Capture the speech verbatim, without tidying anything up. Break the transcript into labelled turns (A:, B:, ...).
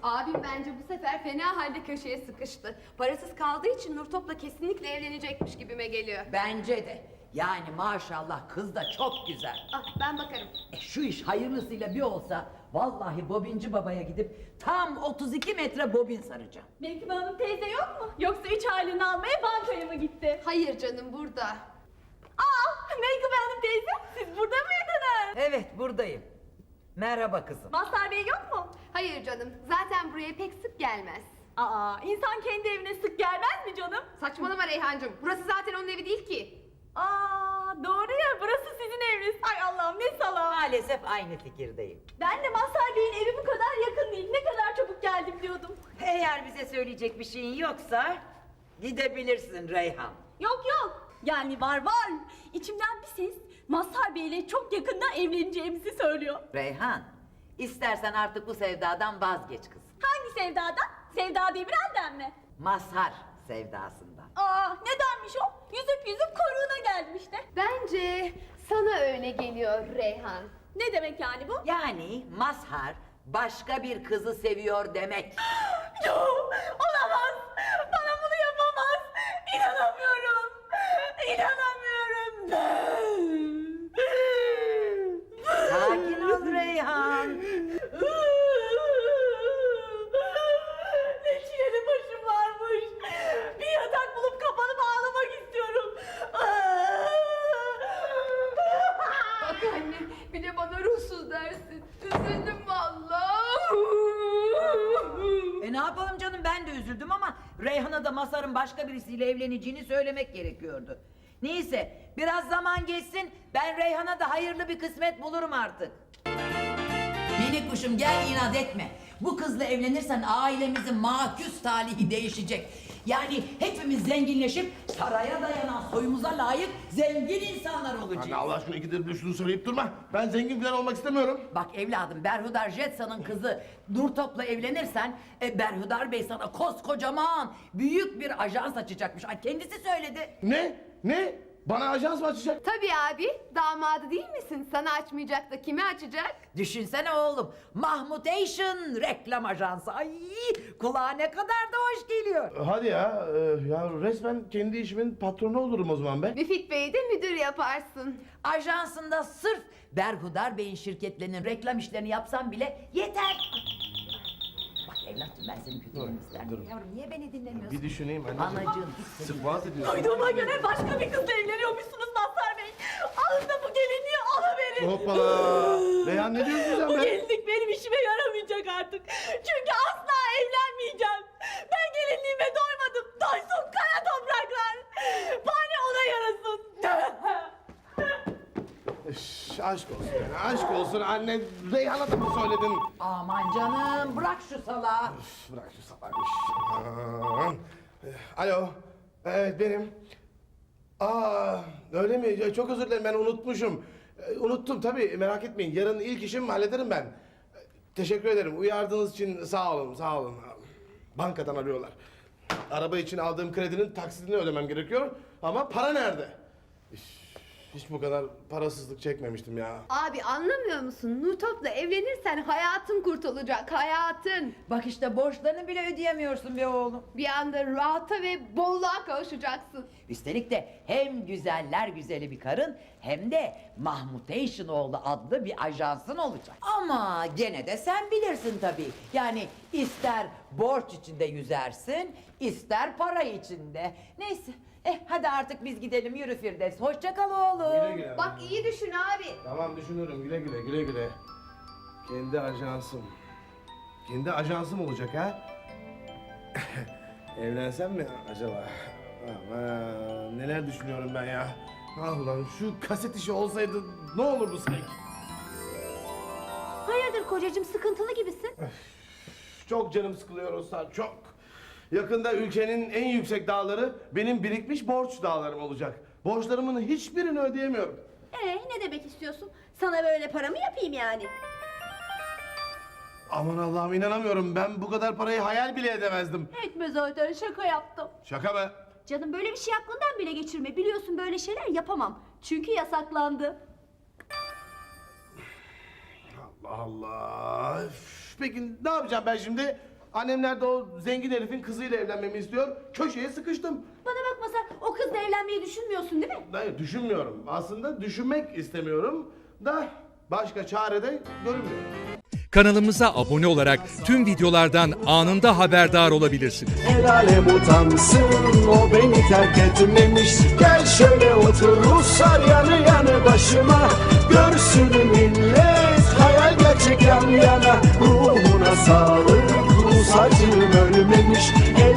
A: Abim bence bu sefer fena halde köşeye sıkıştı. Parasız kaldığı için Nurtop'la kesinlikle evlenecekmiş gibime geliyor.
B: Bence de. Yani maşallah kız da çok güzel.
A: Ah, ben bakarım.
B: E şu iş hayırlısıyla bir olsa vallahi bobinci babaya gidip tam otuz iki metre bobin saracağım.
C: Menkıbe Hanım teyze yok mu? Yoksa üç halini almaya bankaya mı gitti?
A: Hayır canım, burada.
C: Aa, Menkıbe Hanım teyze, siz burada mıydınız?
B: Evet buradayım. Merhaba kızım.
C: Mazhar Bey yok mu?
A: Hayır canım, zaten buraya pek sık gelmez.
C: Aa, insan kendi evine sık gelmez mi canım?
A: Saçmalama Reyhancığım, burası zaten onun evi değil ki.
C: Aa, doğru ya, burası sizin eviniz. Ay Allah'ım, ne salak.
B: Maalesef aynı fikirdeyim.
C: Ben de Mazhar Bey'in evi bu kadar yakın değil. Ne kadar çabuk geldim diyordum.
B: Eğer bize söyleyecek bir şeyin yoksa gidebilirsin Reyhan.
C: Yok yok. Yani var var. İçimden bir ses Mazhar Bey'le çok yakında evleneceğimizi söylüyor.
B: Reyhan, istersen artık bu sevdadan vazgeç kızım.
C: Hangi sevdadan? Sevda Demirel'den mi?
B: Mazhar sevdasından.
C: Aa, nedenmiş o? Yüzüp yüzüp koruğuna geldim işte.
A: Bence sana öyle geliyor Reyhan.
C: Ne demek yani bu?
B: Yani Mazhar başka bir kızı seviyor demek.
C: Yok, olamaz. Bana bunu yapamaz. İnanamıyorum. İnanamıyorum.
B: Sakin ol Reyhan.
C: Ne çileli başım varmış. Bir yatak bulup kapanıp ağlamak istiyorum.
A: Bak anne, bir de bana ruhsuz dersin. Üzüldüm vallahi.
B: E ne yapalım canım, ben de üzüldüm ama Reyhan'a da Mazhar'ın başka birisiyle evleneceğini söylemek gerekiyordu. Neyse biraz zaman geçsin, ben Reyhan'a da hayırlı bir kısmet bulurum artık. Minik kuşum gel, inat etme. Bu kızla evlenirsen ailemizin maküs talihi değişecek. Yani hepimiz zenginleşip saraya dayanan soyumuza layık zengin insanlar olacağız.
D: Anne Allah aşkına ikidir bir şunu söyleyip durma. Ben zengin falan olmak istemiyorum.
B: Bak evladım, Berhudar Jetsa'nın kızı Nurtop'la evlenirsen e, Berhudar Bey sana koskocaman büyük bir ajans açacakmış. Ay, kendisi söyledi.
D: Ne? Ne? Bana ajans mı açacak?
A: Tabii abi, damadı değil misin? Sana açmayacak da kime açacak?
B: Düşünsene oğlum, Mahmutation reklam ajansı. Ay, kulağa ne kadar da hoş geliyor.
D: Hadi ya, e, ya resmen kendi işimin patronu olurum o zaman be.
A: Müfit Bey'i de müdür yaparsın.
B: Ajansında sırf Berhudar Bey'in şirketlerinin reklam işlerini yapsam bile yeter. Bak evladım, ben senin kötülüğünü isterim.
D: dur.
B: Yavrum niye beni dinlemiyorsun?
D: Bir düşüneyim anneciğim.
B: Anacığım hiç seni...
D: Sık boğaz ediyorsun.
C: Duyduğuma göre başka bir kızla evleniyormuşsunuz Mazhar Bey. Alın da bu gelinliği alıverin.
D: Hoppala. Reyhan ne diyorsun sen
C: Bu
D: be?
C: gelinlik benim işime yaramayacak artık. Çünkü asla evlenmeyeceğim. Ben gelinliğime doymadım. Doysun kara topraklar. Bari ona yarasın.
D: Üş, aşk olsun yani, aşk olsun anne. Reyhan'a da mı söyledin?
B: Aman canım, bırak şu salağı.
D: Üf, bırak şu salak iş. Aman. Eh, Alo. Evet benim. Aa öyle mi? Ya, çok özür dilerim, ben unutmuşum. Eh, Unuttum tabii, merak etmeyin. Yarın ilk işim hallederim ben. Eh, Teşekkür ederim. Uyardığınız için sağ olun, sağ olun. Bankadan arıyorlar. Araba için aldığım kredinin taksidini ödemem gerekiyor. Ama para nerede? Üf, hiç bu kadar parasızlık çekmemiştim ya.
A: Abi anlamıyor musun? Nurtop'la evlenirsen hayatın kurtulacak, hayatın.
B: Bak işte borçlarını bile ödeyemiyorsun be oğlum.
A: Bir anda rahata ve bolluğa kavuşacaksın.
B: Üstelik de hem güzeller güzeli bir karın hem de Mahmutation oğlu adlı bir ajansın olacak. Ama gene de sen bilirsin tabii. Yani ister borç içinde yüzersin, ister para içinde. Neyse, eh hadi artık biz gidelim, yürü Firdevs. Hoşça kal oğlum.
D: Güle güle.
A: Bak iyi düşün abi.
D: Tamam düşünürüm, güle güle güle güle. Kendi ajansım. Kendi ajansım olacak ha? Evlensem mi acaba? Aman neler düşünüyorum ben ya. Ah ulan şu kaset işi olsaydı ne olurdu sanki?
C: Hayırdır kocacığım, sıkıntılı gibisin.
D: Çok canım sıkılıyor Ruslar, çok. Yakında ülkenin en yüksek dağları benim birikmiş borç dağlarım olacak. Borçlarımın hiçbirini ödeyemiyorum.
C: Ee, ne demek istiyorsun? Sana böyle para mı yapayım yani?
D: Aman Allah'ım inanamıyorum, ben bu kadar parayı hayal bile edemezdim.
C: Etme zaten, şaka yaptım.
D: Şaka mı?
C: Canım böyle bir şey aklından bile geçirme. Biliyorsun böyle şeyler yapamam. Çünkü yasaklandı.
D: Allah Allah. Üf, peki ne yapacağım ben şimdi? Annemler de o zengin herifin kızıyla evlenmemi istiyor. Köşeye sıkıştım.
A: Bana bak Mazhar, o kızla evlenmeyi düşünmüyorsun değil mi?
D: Hayır, düşünmüyorum. Aslında düşünmek istemiyorum da başka çare de görünmüyor.
E: Kanalımıza abone olarak tüm videolardan anında haberdar olabilirsiniz.
F: El alem utansın, o beni terk etmemiş. Gel şöyle otur Ruslar yanı yanı başıma. Görsün millet, hayal gerçek yan yana. Ruhuna sağlık, Rus acım ölmemiş. El